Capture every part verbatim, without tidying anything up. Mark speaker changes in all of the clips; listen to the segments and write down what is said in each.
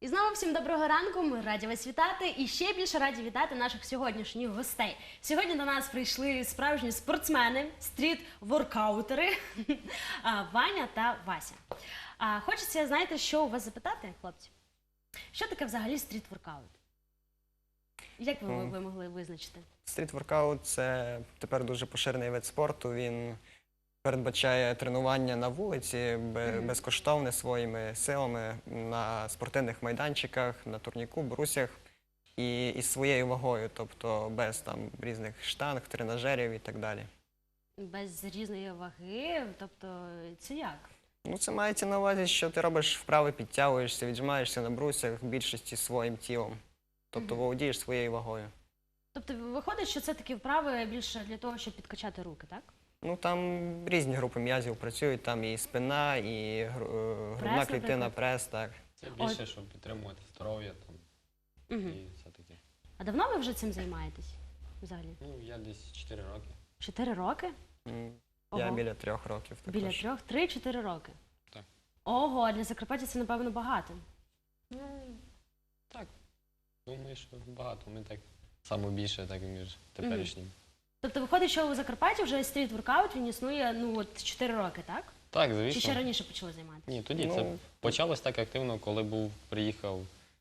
Speaker 1: І знову всім доброго ранку, ми раді вас вітати і ще більше раді вітати наших сьогоднішніх гостей. Сьогодні до нас прийшли справжні спортсмени, стріт-воркаутери Ваня та Вася. А, хочеться, знаєте, що у вас запитати, хлопці? Що таке взагалі стріт-воркаут? Як ви, ви могли визначити?
Speaker 2: Стріт-воркаут – це тепер дуже поширений вид спорту. Він передбачає тренування на вулиці, безкоштовне своїми силами, на спортивних майданчиках, на турніку, брусях і із своєю вагою, тобто без там різних штанг, тренажерів і так далі.
Speaker 1: Без різної ваги? Тобто це як?
Speaker 2: Ну, це мається на увазі, що ти робиш вправи, підтягуєшся, віджимаєшся на брусях в більшості своїм тілом. Тобто володієш своєю вагою.
Speaker 1: Тобто виходить, що це такі вправи більше для того, щоб підкачати руки, так?
Speaker 2: Ну, там різні групи м'язів працюють, там і спина, і грудна клітина, прес, так.
Speaker 3: Це більше, щоб підтримувати здоров'я там
Speaker 1: Угу.
Speaker 3: і все таке.
Speaker 1: А давно ви вже цим займаєтесь взагалі?
Speaker 3: Ну, я десь чотири роки.
Speaker 1: Чотири роки?
Speaker 2: М, Я
Speaker 1: Ого.
Speaker 2: біля трьох років також.
Speaker 1: Біля трьох, три-чотири роки?
Speaker 3: Так.
Speaker 1: Ого, а для Закарпаття це, напевно, багато.
Speaker 3: Ну, так. Думаю, що багато. Ми так саме більше, так між теперішнім.
Speaker 1: Тобто виходить, що у Закарпатті вже стріт-воркаут, він існує, ну, от чотири роки, так?
Speaker 3: Так,
Speaker 1: Чи
Speaker 3: звісно.
Speaker 1: ще раніше почали займатися?
Speaker 3: Ні, тоді
Speaker 2: Ну,
Speaker 3: це почалось так активно, коли був, приїхав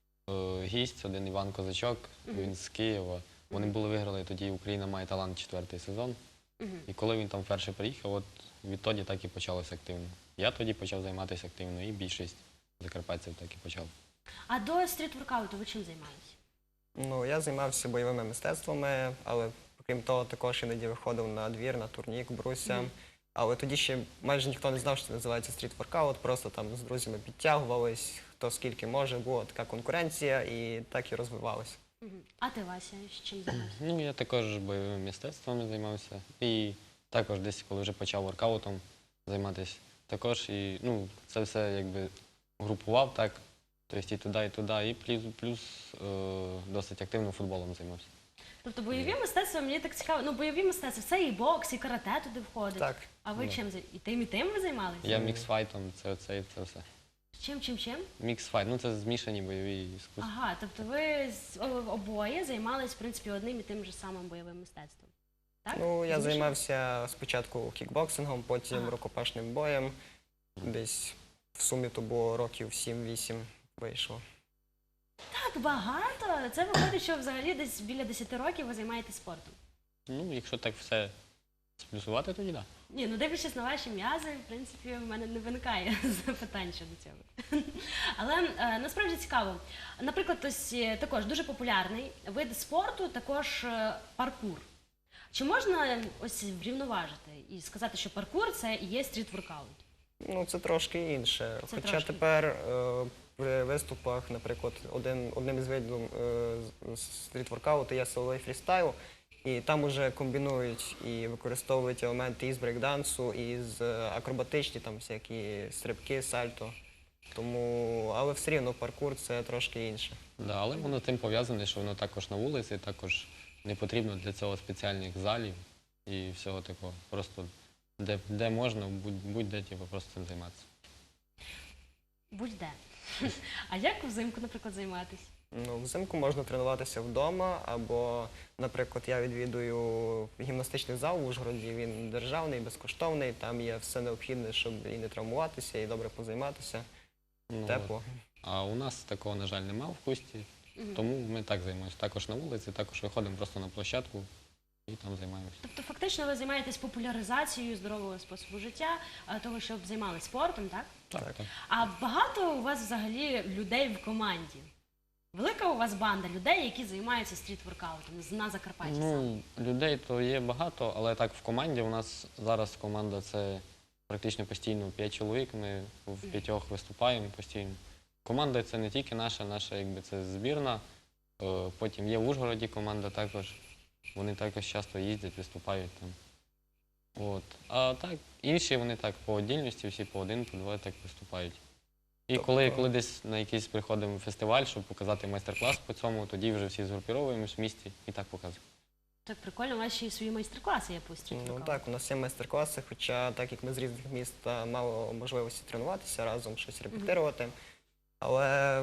Speaker 3: е, гість, один Іван Козачок, він з Києва. Вони були виграли, тоді Україна має талант четвертий сезон.
Speaker 1: Мгм.
Speaker 3: І коли він там вперше приїхав, от відтоді так і почалося активно. Я тоді почав займатися активно, і більшість закарпатців так і почав.
Speaker 1: А до стріт-воркауту ви чим займаєтесь?
Speaker 2: Ну, я займався бойовими мистецтвами, але крім того, також іноді виходив на двір, на турнік, бруся.
Speaker 1: Мгм.
Speaker 2: Але тоді ще майже ніхто не знав, що це називається стріт-воркаут, просто там з друзями підтягувались, хто скільки може, була така конкуренція і так і розвивалося.
Speaker 1: Мгм. А ти, Вася, чим займаєшся?
Speaker 3: Ну, я також бойовими мистецтвами займався. І також десь, коли вже почав воркаутом займатися, також і, ну, це все якби групував так, тобто і туди, і туди, і плюс, плюс е, досить активно футболом займався.
Speaker 1: Тобто бойові мистецтва, мені так цікаво, ну бойові мистецтва, це і бокс, і карате туди входить.
Speaker 2: Так.
Speaker 1: А ви
Speaker 3: Ну.
Speaker 1: чим зай- і тим, і тим ви займалися?
Speaker 3: Я міксфайтом, це оце і це все.
Speaker 1: Чим, чим, чим?
Speaker 3: Міксфайт, ну це змішані бойові іскусства.
Speaker 1: Ага, тобто ви з- о- обоє займались, в принципі, одним і тим же самим бойовим мистецтвом. Так?
Speaker 2: Ну, я
Speaker 1: Змішано?
Speaker 2: займався спочатку кікбоксингом, потім
Speaker 1: Ага.
Speaker 2: рукопашним боєм. Десь в сумі то було років сім-вісім вийшло.
Speaker 1: Так багато. Це виходить, що взагалі десь біля десяти років ви займаєтесь спортом.
Speaker 3: Ну, якщо так все сплюсувати, тоді так.
Speaker 1: Ні, ну дивлячись на ваші м'язи, в принципі, в мене не виникає запитань щодо цього. Але е, насправді цікаво. Наприклад, ось е, також дуже популярний вид спорту, також е, паркур. Чи можна ось врівноважити і сказати, що паркур це і є стріт-воркаут?
Speaker 2: Ну, це трошки інше.
Speaker 1: Це
Speaker 2: Хоча
Speaker 1: трошки.
Speaker 2: тепер е, при виступах, наприклад, один, одним із видів е, стріт-воркауту є силовий фрістайл, і там уже комбінують і використовують елементи із брейкдансу, із е, акробатичні, там всякі стрибки, сальто. Тому, але все рівно паркур це трошки інше.
Speaker 3: Да, але воно тим пов'язане, що воно також на вулиці, також не потрібно для цього спеціальних залів і всього такого. Просто де, де можна, будь- будь-де типу, просто цим займатися.
Speaker 1: Будь-де. А як взимку, наприклад, займатися?
Speaker 2: Ну, взимку можна тренуватися вдома, або, наприклад, я відвідую гімнастичний зал в Ужгороді, він державний, безкоштовний, там є все необхідне, щоб і не травмуватися, і добре позайматися,
Speaker 3: Ну,
Speaker 2: тепло.
Speaker 3: А у нас такого, на жаль, немає в Хусті, тому ми так займаємося. Також на вулиці, також виходимо просто на площадку і там займаємося.
Speaker 1: Тобто, фактично, ви займаєтесь популяризацією здорового способу життя, а, того, щоб займалися спортом, так?
Speaker 3: Так,
Speaker 2: Так.
Speaker 3: так.
Speaker 1: А багато у вас взагалі людей в команді? Велика у вас банда людей, які займаються стріт-воркаутом з- на Закарпатті саме?
Speaker 3: Ну, людей то є багато, але так в команді у нас зараз команда це практично постійно п'ять чоловік, ми в п'ятьох виступаємо постійно. Команда це не тільки наша, наша якби це збірна. Е, Потім є в Ужгороді команда також. Вони також часто їздять, виступають там. От. А так, інші вони так по отдільності, всі по один, по два так виступають. І
Speaker 2: Тобто-
Speaker 3: коли, коли десь на якийсь приходимо фестиваль, щоб показати майстер-клас по цьому, тоді вже всі згрупіровуємось в місті і так показуємо.
Speaker 1: Так прикольно, у вас ще й свої майстер-класи є по
Speaker 2: Ну
Speaker 1: стріт-воркауту.
Speaker 2: так, у нас є майстер-класи, хоча так як ми з різних міст, та мало можливості тренуватися разом, щось репетирувати. Але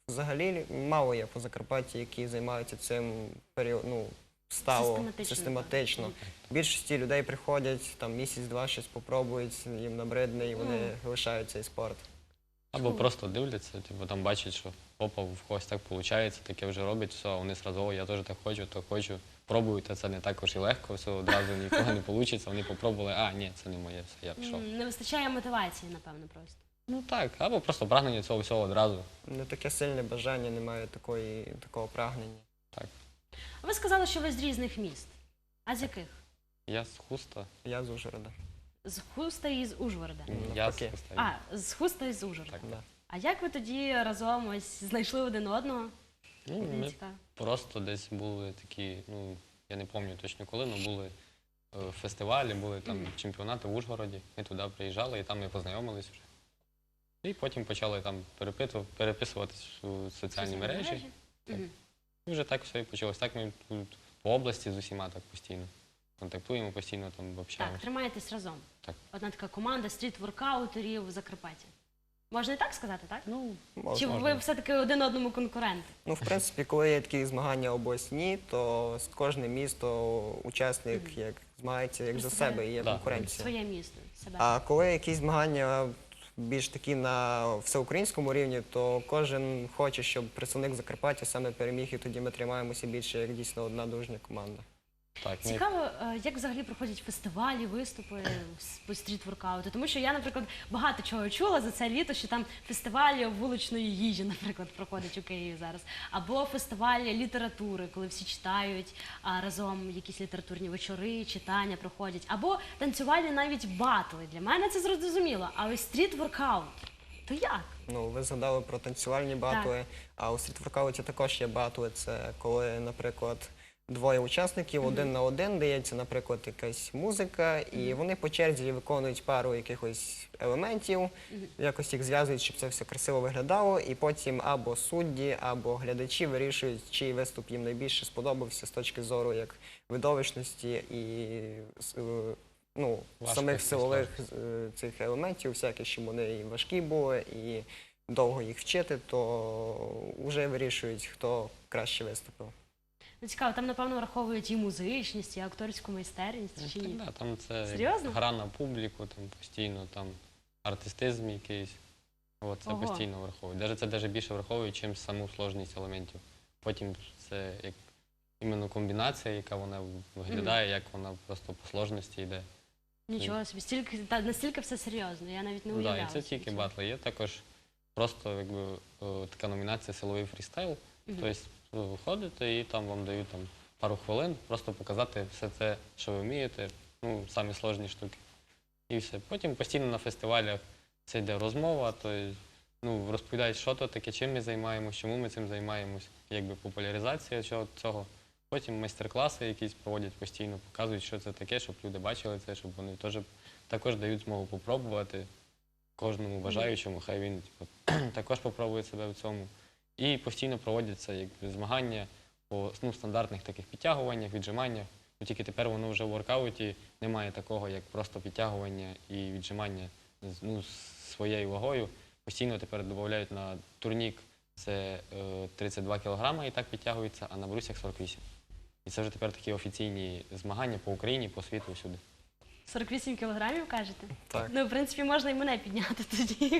Speaker 2: взагалі мало є по Закарпатті, які займаються цим період, ну, стало
Speaker 1: Систематично,
Speaker 2: систематично.
Speaker 1: так.
Speaker 2: Більшості людей приходять, там місяць-два щось попробують, їм набридне, і вони
Speaker 1: Ну.
Speaker 2: лишають цей спорт.
Speaker 3: Або просто дивляться, типу там бачать, що опа, в когось так виходить, таке вже робить, все, вони зразу, «О, я теж так хочу, то хочу. Пробують, а це не також і легко, все одразу нікого не вийде. Вони попробували, а ні, це не моє, все, я пішов.
Speaker 1: М, Не вистачає мотивації, напевно, просто.
Speaker 3: Ну так, або просто прагнення цього всього одразу.
Speaker 2: Не таке сильне бажання, немає такої, такого прагнення.
Speaker 1: А ви сказали, що ви з різних міст. А з яких?
Speaker 3: Я з Хуста,
Speaker 2: Я з Ужгорода.
Speaker 1: З Хуста і з Ужгорода.
Speaker 3: я з
Speaker 2: Навпаки.
Speaker 3: Хуста.
Speaker 1: А, з Хуста і з Ужгорода.
Speaker 3: Так.
Speaker 2: Да.
Speaker 1: А як ви тоді разом ось знайшли один одного?
Speaker 3: Ну,
Speaker 1: Мені
Speaker 3: ми
Speaker 1: цікаво.
Speaker 3: просто десь були такі, ну, я не пам'ятаю точно коли, але були е, фестивалі, були там
Speaker 1: Мгм.
Speaker 3: чемпіонати в Ужгороді. Ми туди приїжджали і там ми познайомились вже. І потім почали там перепиту- переписуватись у соціальні мережі.
Speaker 1: Мгм.
Speaker 3: І вже так все і почалось. Так ми тут по області з усіма так постійно контактуємо, постійно там
Speaker 1: Так,
Speaker 3: общаємося.
Speaker 1: тримаєтесь разом.
Speaker 3: Так.
Speaker 1: Одна така команда стріт-воркаутерів в Закарпатті. Можна і так сказати, так?
Speaker 3: Ну,
Speaker 2: Можна.
Speaker 1: Чи ви все-таки один одному конкуренти?
Speaker 2: Ну, в принципі, коли є такі змагання обласні, то з кожне місто учасник як змагається як за себе і є
Speaker 3: Да.
Speaker 2: конкуренція.
Speaker 1: Своє місто, себе.
Speaker 2: А коли якісь змагання більш такі на всеукраїнському рівні, то кожен хоче, щоб представник Закарпаття саме переміг, і тоді ми тримаємося більше як дійсно одна дружня команда.
Speaker 3: так, ми
Speaker 1: Цікаво, е, як взагалі проходять фестивалі, виступи з- по стріт-воркауту. Тому що я, наприклад, багато чого чула за це літо, що там фестивалі вуличної їжі, наприклад, проходять у Києві зараз. Або фестивалі літератури, коли всі читають а разом якісь літературні вечори, читання проходять. Або танцювальні навіть батли. Для мене це зрозуміло. А ось стріт-воркаут, то як?
Speaker 2: Ну, ви згадали про танцювальні батли, а у стрітворкауті також є батли. Це коли, наприклад, двоє учасників, один на один дається, наприклад, якась музика, і вони по черзі виконують пару якихось елементів, якось їх зв'язують, щоб це все красиво виглядало, і потім або судді, або глядачі вирішують, чий виступ їм найбільше сподобався з точки зору як видовищності і с- е, ну,
Speaker 3: Важкості,
Speaker 2: самих силових е, цих елементів, всяких, щоб вони і важкі були, і довго їх вчити, то вже вирішують, хто краще виступив.
Speaker 1: Ну, цікаво, там, напевно, враховують і музичність, і акторську майстерність, чи
Speaker 3: Ну,
Speaker 1: ні?
Speaker 3: так, да, там це як
Speaker 1: Серйозно?
Speaker 3: гра на публіку, там постійно там артистизм якийсь. От, це
Speaker 1: Ого.
Speaker 3: постійно враховують. Даже, це навіть більше враховують, ніж саму сложність елементів. Потім це як іменно комбінація, яка вона виглядає, як вона просто по сложності йде.
Speaker 1: Нічого собі, стільки, та, настільки все серйозно, я навіть не
Speaker 3: Ну,
Speaker 1: уявляла.
Speaker 3: да, і це
Speaker 1: собі
Speaker 3: тільки
Speaker 1: цього.
Speaker 3: батли. Є також просто якби, е, така номінація силовий фрістайл.
Speaker 1: Мгм.
Speaker 3: Тобто ви виходите і там вам дають там, пару хвилин, просто показати все це, що ви вмієте, ну, самі сложні штуки. І все. Потім постійно на фестивалях це йде розмова, тобто, ну, розповідають, що то таке, чим ми займаємося, чому ми цим займаємось, якби популяризація цього- цього. Потім майстер-класи якісь проводять постійно, показують, що це таке, щоб люди бачили це, щоб вони теж також дають змогу попробувати кожному бажаючому, хай він типу, також попробує себе в цьому. І постійно проводяться якби, змагання по ну, стандартних таких підтягуваннях, віджиманнях. Ну, тільки тепер воно вже в воркауті немає такого, як просто підтягування і віджимання з- ну, з своєю вагою. Постійно тепер додають на турнік це е, тридцять два кілограма і так підтягується, а на брусях сорок вісім. І це вже тепер такі офіційні змагання по Україні, по світу, всюди.
Speaker 1: сорок вісім кілограмів, кажете?
Speaker 2: Так.
Speaker 1: Ну, в принципі, можна і мене підняти тоді.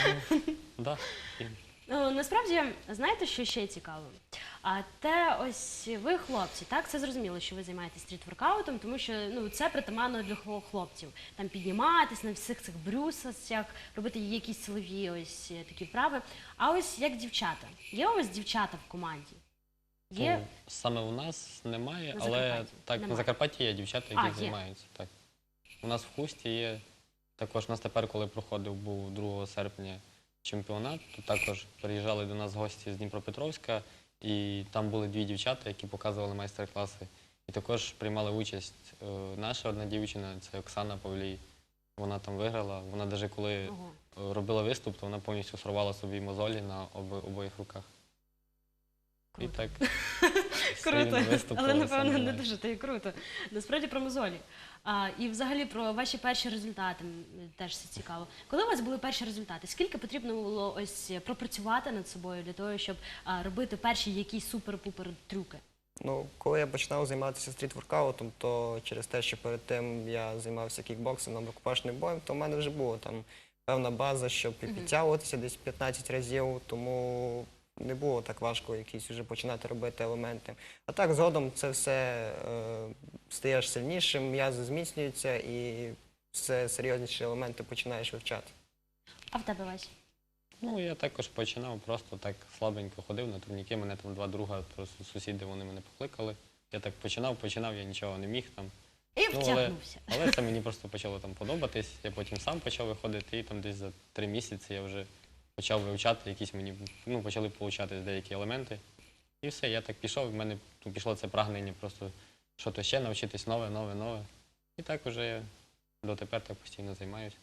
Speaker 3: Да. І
Speaker 1: Ну, насправді, знаєте, що ще цікаво? А те, ось ви хлопці, так? Це зрозуміло, що ви займаєтесь стріт-воркаутом, тому що ну, це притаманно для хло- хлопців. Там підніматись на всіх цих брюсах, робити якісь силові ось е, такі вправи. А ось як дівчата. Є у вас дівчата в команді? Є?
Speaker 3: Ну, саме у нас немає,
Speaker 1: На
Speaker 3: але
Speaker 1: Закарпатті?
Speaker 3: так,
Speaker 1: Немає.
Speaker 3: на Закарпатті є дівчата,
Speaker 1: А,
Speaker 3: які
Speaker 1: є.
Speaker 3: займаються. Так. У нас в Хусті є. Також у нас тепер, коли проходив був другого серпня чемпіонат, то також приїжджали до нас гості з Дніпропетровська, і там були дві дівчата, які показували майстер-класи. І також приймали участь е, наша одна дівчина, це Оксана Павлій. Вона там виграла. Вона навіть коли
Speaker 1: Ого.
Speaker 3: е, робила виступ, то вона повністю сорвала собі мозолі на оби- обоїх руках. І
Speaker 1: Круто.
Speaker 3: так
Speaker 1: Круто,
Speaker 3: сильно
Speaker 1: але
Speaker 3: виступили,
Speaker 1: напевно не
Speaker 3: саме.
Speaker 1: дуже та й круто. Насправді про мозолі. А, і взагалі про ваші перші результати м, теж все цікаво. Коли у вас були перші результати? Скільки потрібно було ось пропрацювати над собою для того, щоб а, робити перші якісь супер-пупер трюки?
Speaker 2: Ну, коли я починав займатися стріт-воркаутом, то через те, що перед тим я займався кікбоксингом, рукопашним боєм, то в мене вже була там певна база, щоб і підтягуватися десь п'ятнадцять разів, тому не було так важко якісь вже починати робити елементи. А так згодом це все е, стаєш сильнішим, м'язи зміцнюються і все серйозніші елементи починаєш вивчати.
Speaker 1: А в тебе Вась?
Speaker 3: Ну, я також починав, просто так слабенько ходив на турніки. Мене там два друга, просто сусіди, вони мене покликали. Я так починав, починав, я нічого не міг там.
Speaker 1: І
Speaker 3: Ну, але,
Speaker 1: втягнувся.
Speaker 3: але це мені просто почало там подобатись. Я потім сам почав виходити, і там десь за три місяці я вже почав вивчати якісь мені, ну, почали получати деякі елементи. І все, я так пішов, в мене ну, пішло це прагнення просто щось ще навчитись, нове, нове, нове. І так уже я дотепер так постійно займаюся.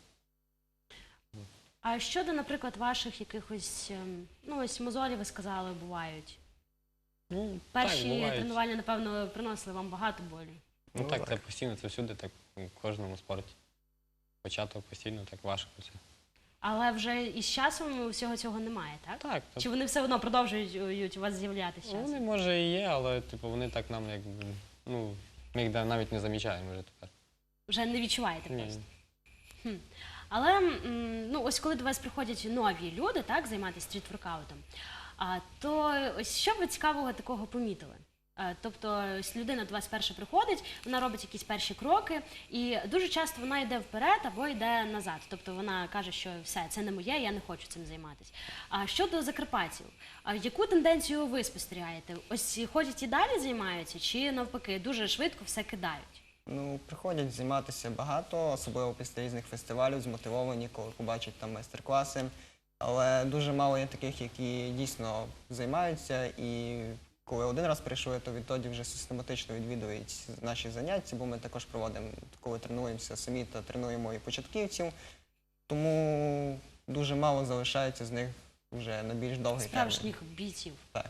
Speaker 1: А щодо, наприклад, ваших якихось, ем, ну ось мозолі, ви сказали, бувають.
Speaker 3: Ну,
Speaker 1: Перші
Speaker 3: так, бувають.
Speaker 1: тренування, напевно, приносили вам багато болі.
Speaker 3: Ну,
Speaker 2: Ну,
Speaker 3: так,
Speaker 2: так.
Speaker 3: це постійно, це всюди, так у кожному спорті. Початок постійно так важко це.
Speaker 1: Але вже із часом всього цього немає, так?
Speaker 3: Так,
Speaker 1: Чи вони все одно продовжують у вас з'являтися з
Speaker 3: ну, вони
Speaker 1: часом?
Speaker 3: може і є, але типу вони так нам якби, ну, ми їх да- навіть не замічаємо вже тепер.
Speaker 1: Вже не відчуваєте
Speaker 3: Ні.
Speaker 1: просто. Хм. Але м, ну, ось коли до вас приходять нові люди, так, займатися стріт-воркаутом, а, то ось що ви цікавого такого помітили? А, Тобто ось людина до вас перше приходить, вона робить якісь перші кроки, і дуже часто вона йде вперед або йде назад. Тобто вона каже, що все, це не моє, я не хочу цим займатися. А щодо закарпатців, а яку тенденцію ви спостерігаєте? Ось ходять і далі займаються, чи навпаки дуже швидко все кидають?
Speaker 2: Ну, приходять займатися багато, особливо після різних фестивалів, змотивовані, коли побачать там майстер-класи. Але дуже мало є таких, які дійсно займаються, і коли один раз прийшли, то відтоді вже систематично відвідують наші заняття, бо ми також проводимо, коли тренуємося самі, то тренуємо і початківців. Тому дуже мало залишається з них вже на більш довгий термін.
Speaker 1: Справжніх бійців.
Speaker 2: Так.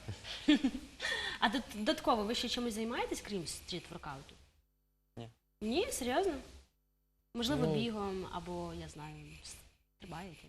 Speaker 1: А дод- додатково ви ще чимось займаєтесь, крім стріт-воркауту?
Speaker 2: Ні.
Speaker 1: Ні, серйозно? Можливо,
Speaker 3: Ну.
Speaker 1: бігом або, я знаю, стрибаєте?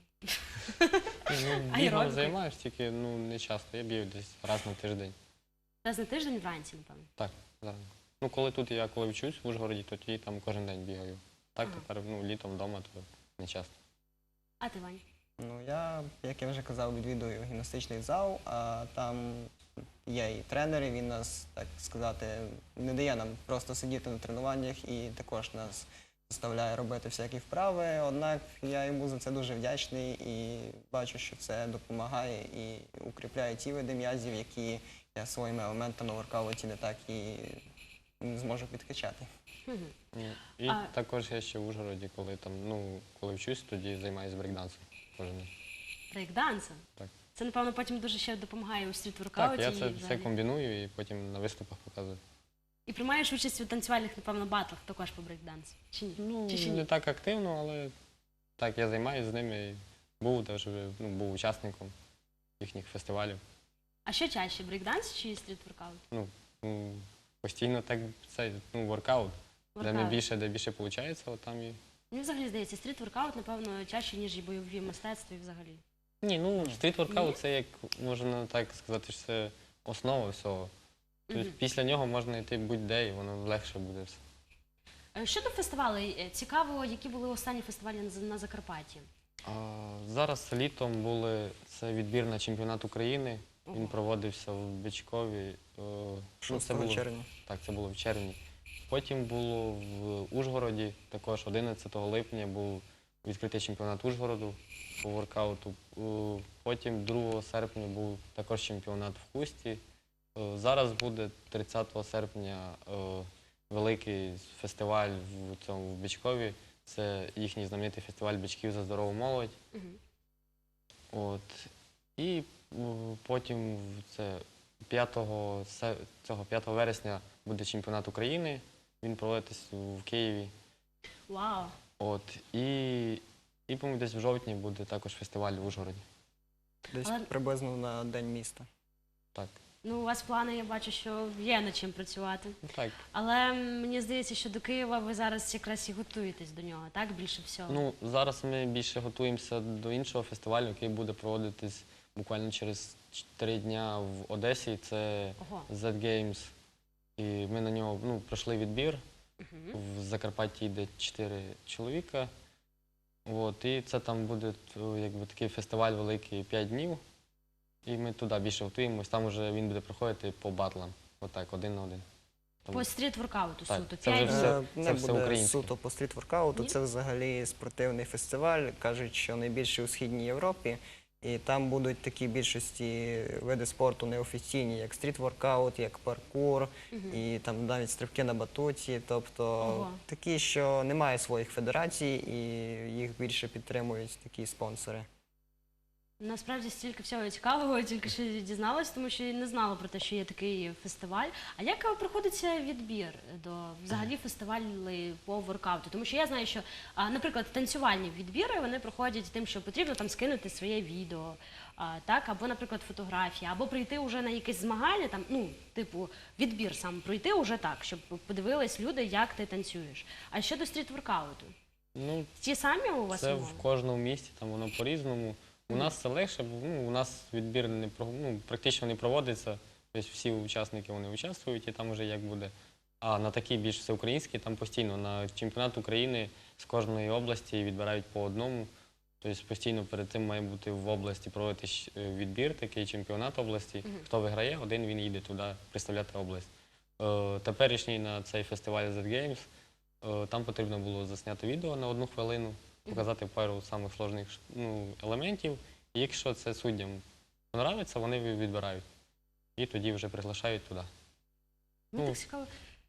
Speaker 3: Ну, бігом
Speaker 1: Аеробікою?
Speaker 3: займаюся, тільки ну, не часто. Я бігаю десь раз на тиждень.
Speaker 1: Раз на тиждень вранці, напевно.
Speaker 3: Так, зараз. Ну, коли тут я коли вчусь в Ужгороді, то тоді там кожен день бігаю. Так,
Speaker 1: Ага.
Speaker 3: тепер ну, літом вдома, то не часто.
Speaker 1: А ти, Вань?
Speaker 2: Ну, я, як я вже казав, відвідую гімнастичний зал, а там є і тренер, і він нас, так сказати, не дає нам просто сидіти на тренуваннях і також нас заставляє робити всякі вправи. Однак я йому за це дуже вдячний і бачу, що це допомагає і укріпляє ті види м'язів, які я своїми елементами в воркауті не так і не зможу підкачати.
Speaker 1: Мгм.
Speaker 3: Ну, І
Speaker 1: А-
Speaker 3: також я ще в Ужгороді, коли там, ну, коли вчусь, тоді займаюся брейкдансом кожен день.
Speaker 1: Брейкдансом?
Speaker 3: Так.
Speaker 1: Це, напевно, потім дуже ще допомагає у
Speaker 3: Так,
Speaker 1: стріт-воркауті.
Speaker 3: я
Speaker 1: і
Speaker 3: це все
Speaker 1: взагалі.
Speaker 3: комбіную і потім на виступах показую.
Speaker 1: І приймаєш участь у танцювальних, напевно, батлах також по брейкдансу. Чи ні?
Speaker 3: Ну,
Speaker 1: Чи ще
Speaker 3: не
Speaker 1: ні?
Speaker 3: так активно, але так, я займаюся з ними. І був теж, ну, був учасником їхніх фестивалів.
Speaker 1: А що чаще, брейкданс чи стріт-воркаут?
Speaker 3: Ну, ну, постійно так це, ну, воркаут. Де
Speaker 1: Воркаут.
Speaker 3: найбільше, де більше виходить, от там і.
Speaker 1: Мені взагалі здається, стріт-воркаут, напевно, чаще, ніж і бойові мистецтва і взагалі.
Speaker 3: Ні, ну,
Speaker 1: Ні?
Speaker 3: стріт-воркаут це як можна так сказати, що це основа всього. Тобто
Speaker 1: Мгм.
Speaker 3: після нього можна йти будь-де, і воно легше буде все.
Speaker 1: Е, Щодо фестивалей, е, цікаво, які були останні фестивалі на, З- на Закарпатті.
Speaker 3: А, зараз літом були це відбір на чемпіонат України. Він
Speaker 1: Ого.
Speaker 3: проводився в Бичкові. е, ну, це
Speaker 2: шостого
Speaker 3: було-
Speaker 2: червня.
Speaker 3: Так, це було в червні. Потім було в Ужгороді, також одинадцятого липня був відкритий чемпіонат Ужгороду по воркауту. Е, Потім другого серпня був також чемпіонат в Хусті. Е, Зараз буде тридцятого серпня е, великий фестиваль в цьому в Бичкові. Це їхній знаменитий фестиваль бичків за здорову молодь.
Speaker 1: Мгм.
Speaker 3: От. І м, потім в це п'ятого се- цього п'ятого вересня буде чемпіонат України. Він проводитись в Києві.
Speaker 1: Вау!
Speaker 3: От. І, і по-моєму, десь в жовтні буде також фестиваль в Ужгороді.
Speaker 2: Десь
Speaker 1: Але-
Speaker 2: приблизно на День міста.
Speaker 3: Так.
Speaker 1: Ну, у вас плани, я бачу, що є над чим працювати.
Speaker 3: Ну, так.
Speaker 1: Але мені здається, що до Києва ви зараз якраз і готуєтесь до нього, так? Більше всього.
Speaker 3: Ну, зараз ми більше готуємося до іншого фестивалю, який буде проводитись буквально через чотири дня в Одесі. Це
Speaker 1: Ого.
Speaker 3: зет Games. І ми на нього ну, пройшли відбір. В Закарпатті йде чотири чоловіка. От, і це там буде то, якби, такий фестиваль великий п'ять днів. І ми туди більше готуємось. Там вже він буде проходити по батлам. Отак, один на один. Тому-
Speaker 1: По стріт-воркауту
Speaker 3: Так,
Speaker 1: суто.
Speaker 3: це вже
Speaker 1: П'ять
Speaker 3: все.
Speaker 1: днів.
Speaker 2: Е,
Speaker 3: це
Speaker 2: Не
Speaker 3: все
Speaker 2: буде
Speaker 3: українське.
Speaker 2: суто по стріт-воркауту,
Speaker 1: Ні?
Speaker 2: це взагалі спортивний фестиваль. Кажуть, що найбільший у Східній Європі. І там будуть такі більшості види спорту неофіційні, як стріт-воркаут, як паркур, і там навіть стрибки на батуті. Тобто
Speaker 1: Ого.
Speaker 2: такі, що немає своїх федерацій, і їх більше підтримують такі спонсори.
Speaker 1: Насправді стільки всього цікавого, тільки що дізналась, тому що я не знала про те, що є такий фестиваль. А як проходиться відбір до взагалі фестивалів по воркауту? Тому що я знаю, що, а, наприклад, танцювальні відбіри вони проходять тим, що потрібно там скинути своє відео, а, так, або, наприклад, фотографії, або прийти вже на якесь змагання, там, ну, типу, відбір сам пройти уже так, щоб подивились люди, як ти танцюєш. А щодо стріт-воркауту?
Speaker 3: Ну,
Speaker 1: Ті самі у вас
Speaker 3: це
Speaker 1: умови?
Speaker 3: в кожному місті, там воно по-різному. У нас це легше, бо ну, у нас відбір не про- ну, практично не проводиться. Тобто всі учасники вони участвують і там вже як буде. А на такі більш всеукраїнські, там постійно на чемпіонат України з кожної області відбирають по одному. Тобто постійно перед тим має бути в області проводити щ- е, відбір, такий чемпіонат області. Хто виграє, один він їде туди представляти область. Е, Теперішній на цей фестиваль зет Games, е, там потрібно було засняти відео на одну хвилину, показати пару самих сложних ш- ну, елементів. І якщо це суддям подобається, вони ві- відбирають. І тоді вже приглашають туди.
Speaker 1: Ну,
Speaker 3: Ну.
Speaker 1: так цікаво.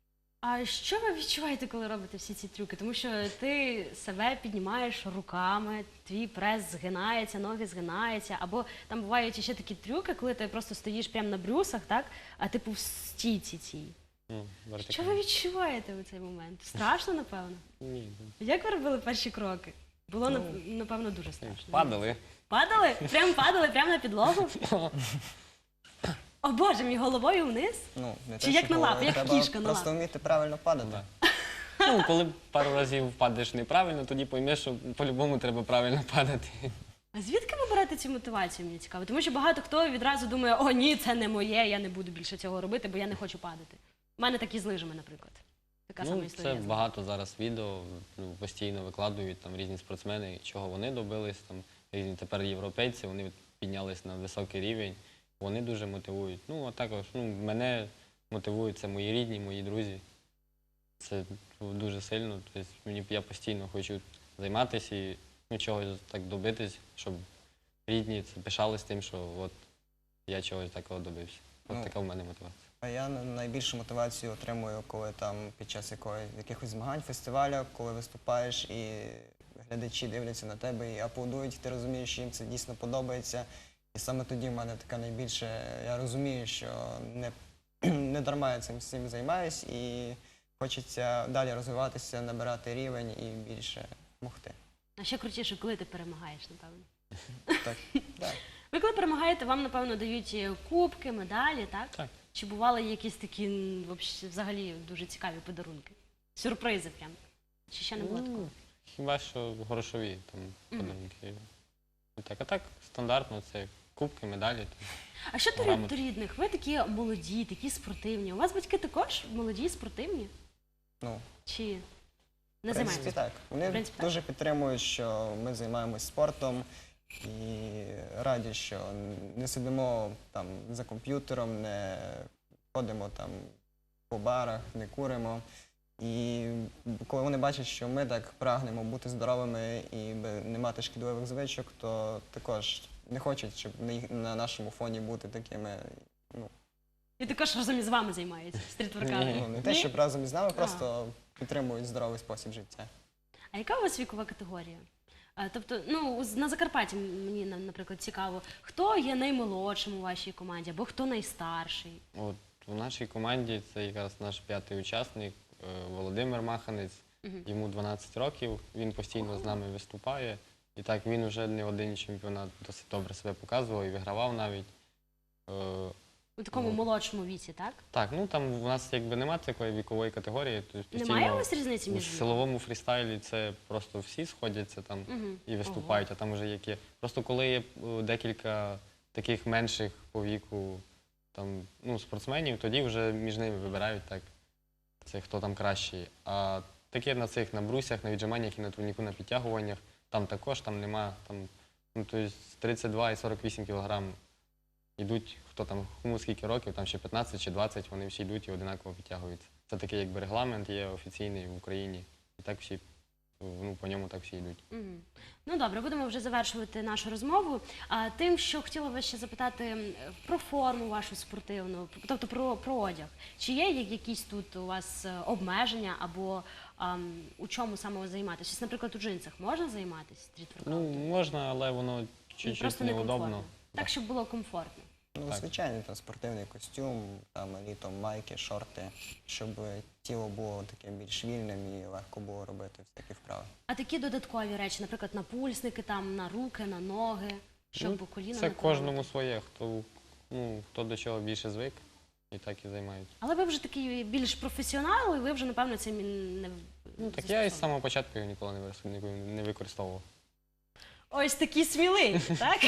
Speaker 1: А що ви відчуваєте, коли робите всі ці трюки? Тому що ти себе піднімаєш руками, твій прес згинається, ноги згинаються, або там бувають ще такі трюки, коли ти просто стоїш прямо на брюсах, так? А типу в стійці цій.
Speaker 3: Ну,
Speaker 1: Що
Speaker 3: вертикально.
Speaker 1: ви відчуваєте у цей момент? Страшно, напевно?
Speaker 3: Ні,
Speaker 1: Як ви робили перші кроки? Було, нап- напевно, дуже страшно.
Speaker 3: ну, падали.
Speaker 1: Падали? Прям падали, прямо на підлогу? О Боже, мій головою вниз?
Speaker 2: Ну, не
Speaker 1: Чи
Speaker 2: те,
Speaker 1: як
Speaker 2: що
Speaker 1: на лапи,
Speaker 2: головою,
Speaker 1: як
Speaker 2: треба
Speaker 1: кішка на
Speaker 2: просто
Speaker 1: лапи.
Speaker 2: вміти правильно падати.
Speaker 3: Да. Ну, коли пару разів впадеш неправильно, тоді поймеш, що по-любому треба правильно падати.
Speaker 1: А звідки ви берете цю мотивацію, мені цікаво? Тому що багато хто відразу думає, о, ні, це не моє, я не буду більше цього робити, бо я не хочу падати. У мене такі з лижами, наприклад. Така сама
Speaker 3: Ну,
Speaker 1: історія.
Speaker 3: це
Speaker 1: з
Speaker 3: багато зараз відео, ну, постійно викладують там різні спортсмени, чого вони добились, там різні тепер європейці, вони піднялись на високий рівень, вони дуже мотивують. Ну, а також ну, мене мотивують, це мої рідні, мої друзі. Це дуже сильно. Тобто мені я постійно хочу займатися і ну, чогось так добитись, щоб рідні це пишались тим, що от я чогось такого добився. От
Speaker 2: Ну,
Speaker 3: така в мене мотивація.
Speaker 2: А я на- найбільшу мотивацію отримую, коли там під час якої, якихось змагань, фестивалю, коли виступаєш і глядачі дивляться на тебе і аплодують, і ти розумієш, що їм це дійсно подобається. І саме тоді в мене така найбільше, я розумію, що не, не дарма я цим всім займаюсь і хочеться далі розвиватися, набирати рівень і більше могти.
Speaker 1: А ще крутіше, коли ти перемагаєш, напевно.
Speaker 2: Так, так.
Speaker 1: Ви коли перемагаєте, вам, напевно, дають е, кубки, медалі, так?
Speaker 3: Так.
Speaker 1: Чи бували якісь такі м, вообще, взагалі дуже цікаві подарунки? Сюрпризи прям? Чи ще не було такого?
Speaker 3: Ну, хіба що грошові там подарунки. Так, а так стандартно це кубки, медалі. Там.
Speaker 1: А що до рід-
Speaker 3: Грамоти.
Speaker 1: до рідних? Ви такі молоді, такі спортивні. У вас батьки також молоді, спортивні?
Speaker 2: Ну,
Speaker 1: Чи не
Speaker 2: в принципі,
Speaker 1: займаються?
Speaker 2: так. Вони
Speaker 1: В принципі, так.
Speaker 2: дуже підтримують, що ми займаємось спортом і раді, що не сидимо там за комп'ютером, не ходимо там по барах, не куримо. І коли вони бачать, що ми так прагнемо бути здоровими і би не мати шкідливих звичок, то також не хочуть, щоб на, їх- на нашому фоні бути такими. Ну,
Speaker 1: І також разом із вами займаються стрітворками.
Speaker 2: ну не те,
Speaker 1: Ні?
Speaker 2: щоб разом із нами, просто підтримують здоровий спосіб життя.
Speaker 1: А яка у вас вікова категорія? А, тобто, ну, з- на Закарпатті мені, на- наприклад, цікаво, хто є наймолодшим у вашій команді, або хто найстарший?
Speaker 3: От у нашій команді це якраз наш п'ятий учасник е, Володимир Маханець. Йому дванадцять років, він постійно з нами виступає. І так він вже не один чемпіонат досить добре себе показував і вигравав навіть. Е,
Speaker 1: От такому молодшому віці, так?
Speaker 3: Так, ну там у нас якби немає такої вікової категорії. Тобто
Speaker 1: Немає у
Speaker 3: постійно
Speaker 1: вас різниці
Speaker 3: у
Speaker 1: між ними?
Speaker 3: силовому фрістайлі це просто всі сходяться там
Speaker 1: Мгм.
Speaker 3: і виступають, а там вже які. Просто коли є е, декілька таких менших по віку там, ну, спортсменів, тоді вже між ними вибирають так, це хто там кращий. А таке на цих на брусях, на віджиманнях і на турніку, на підтягуваннях, там також там нема, там, ну, тобто тридцять два і сорок вісім кілограм йдуть, хто там, кому скільки років, там ще п'ятнадцять чи двадцять, вони всі йдуть і одинаково підтягуються. Це такий якби регламент є офіційний в Україні. І так всі, ну, по ньому так всі йдуть.
Speaker 1: Мгм. Ну добре, будемо вже завершувати нашу розмову. А, тим, що хотіла вас ще запитати м, про форму вашу спортивну, тобто про, про одяг. Чи є я- якісь тут у вас е, обмеження або ам, у чому саме ви займаєтесь? Ось, наприклад, у джинсах можна займатися
Speaker 3: Ну,
Speaker 1: стріт-воркаутом?
Speaker 3: можна, але воно чуть-чуть
Speaker 1: Просто
Speaker 3: неудобно.
Speaker 1: некомфортно. Так, щоб було комфортно.
Speaker 2: Ну,
Speaker 3: Так.
Speaker 2: звичайний там спортивний костюм, там літом майки, шорти, щоб тіло було таким більш вільним і легко було робити всякі вправи.
Speaker 1: А такі додаткові речі, наприклад, напульсники, там, на руки, на ноги, щоб
Speaker 3: Ну,
Speaker 1: коліна
Speaker 3: Це
Speaker 1: не
Speaker 3: кожному
Speaker 1: поранити?
Speaker 3: своє, хто, ну, хто до чого більше звик, і так і займають.
Speaker 1: Але ви вже такий більш професіонал, і ви вже, напевно, цим і не
Speaker 3: Ну, так я із самого початку його ніколи не вис- ніколи не використовував.
Speaker 1: Ось такі сміливі, так?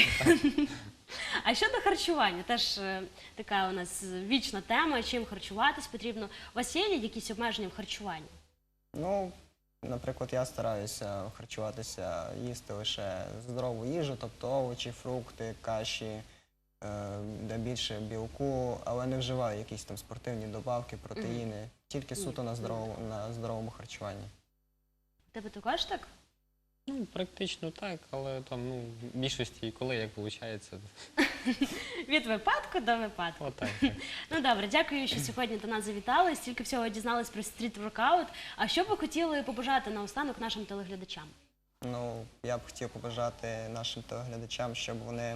Speaker 1: А щодо харчування, теж е, така у нас вічна тема, чим харчуватись потрібно. У вас є якісь обмеження в харчуванні?
Speaker 2: Ну, наприклад, я стараюся харчуватися, їсти лише здорову їжу, тобто овочі, фрукти, каші, е, де більше білку, але не вживаю якісь там спортивні добавки, протеїни, тільки суто на здоровому, на здоровому харчуванні.
Speaker 1: У тебе також так?
Speaker 3: Ну, практично так, але там, ну, в більшості коли як виходить.
Speaker 1: Від випадку до випадку.
Speaker 3: Отак. Так.
Speaker 1: Ну добре, дякую, що сьогодні до нас завітали. Стільки всього дізнались про стріт-воркаут. А що б ви хотіли побажати наостанок нашим телеглядачам?
Speaker 2: Ну, я б хотів побажати нашим телеглядачам, щоб вони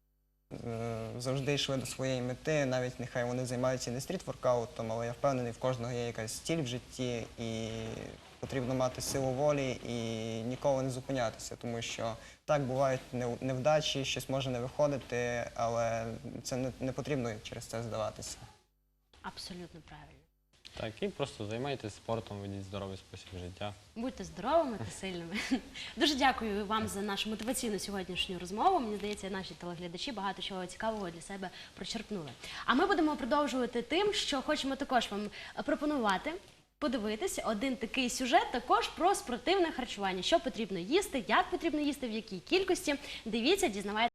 Speaker 2: е, завжди йшли до своєї мети, навіть нехай вони займаються не стріт-воркаутом, але я впевнений, в кожного є якась ціль в житті, і потрібно мати силу волі і ніколи не зупинятися, тому що так бувають нев- невдачі, щось може не виходити, але це не, не потрібно через це здаватися.
Speaker 1: Абсолютно правильно.
Speaker 3: Так, і просто займайтесь спортом, ведіть здоровий спосіб життя.
Speaker 1: Будьте здоровими та сильними. Дуже дякую вам за нашу мотиваційну сьогоднішню розмову. Мені здається, наші телеглядачі багато чого цікавого для себе прочерпнули. А ми будемо продовжувати тим, що хочемо також вам пропонувати подивитися один такий сюжет також про спортивне харчування. Що потрібно їсти, як потрібно їсти, в якій кількості. Дивіться, дізнавайтеся.